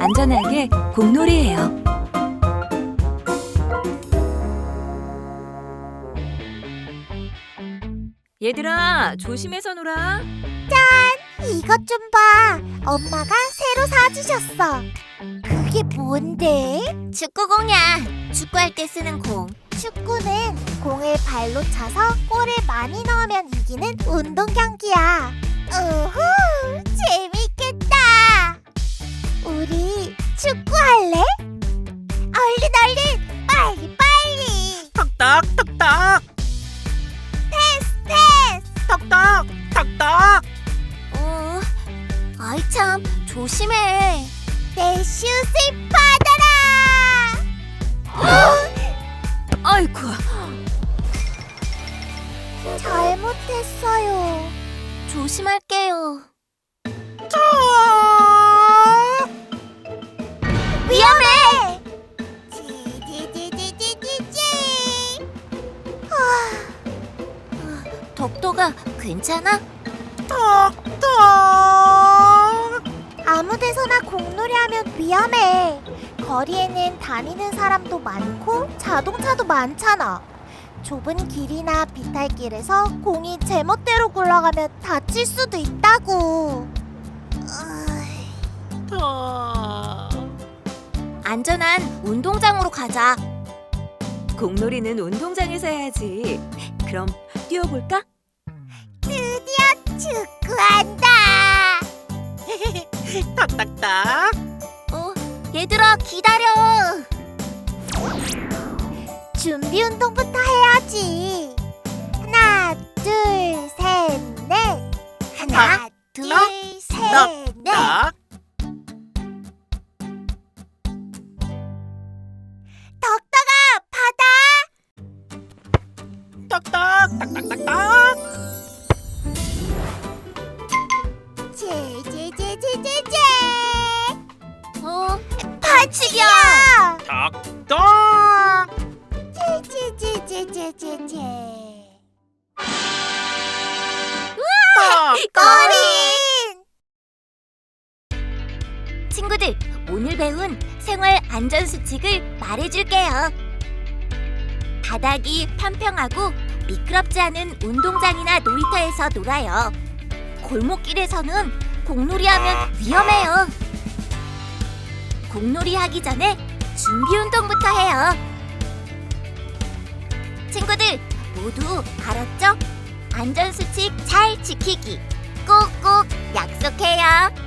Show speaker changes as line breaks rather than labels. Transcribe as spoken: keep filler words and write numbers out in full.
안전하게 공놀이해요. 얘들아, 조심해서 놀아.
이것 좀 봐. 엄마가 새로 사주셨어. 그게 뭔데? 축구공이야. 축구할 때 쓰는 공. 축구는 공을 발로 차서 골을 많이 넣으면 이기는 운동 경기야. 우후, 재밌겠다. 우리 축구할래? 얼른 얼른, 빨리 빨리.
턱떡 턱떡
패스 패스.
턱떡 턱떡.
어, 아이 참, 조심해. 내 슛을 받아라.
아이고,
잘못했어요. 조심할게요. 위험해. 지지지지지지지. 아, 덕도가 괜찮아?
턱떡.
아무 데서나 공놀이하면 위험해. 거리에는 다니는 사람도 많고 자동차도 많잖아. 좁은 길이나 비탈길에서 공이 제멋대로 굴러가면 다칠 수도 있다고. 으이.
턱.
안전한 운동장으로 가자.
공놀이는 운동장에서 해야지. 그럼 뛰어볼까?
드디어 축구한다.
턱딱딱.
어, 얘들아 기다려. 준비 운동부터 해야지. 하나, 둘, 셋, 넷. 하나, 둘, 셋, 넷.
딱.
덕덕아, 받아.
턱떡 딱딱딱딱.
제제제제제제. 어, 반칙이야.
턱떡.
제제제제제제제.
턱떡.
거린. 친구들, 오늘 배운 생활 안전 수칙을 말해줄게요. 바닥이 평평하고 미끄럽지 않은 운동장이나 놀이터에서 놀아요. 골목길에서는 공놀이하면 위험해요. 공놀이 하기 전에 준비 운동부터 해요. 친구들 모두 알았죠? 안전 수칙 잘 지키기 꼭꼭 약속해요.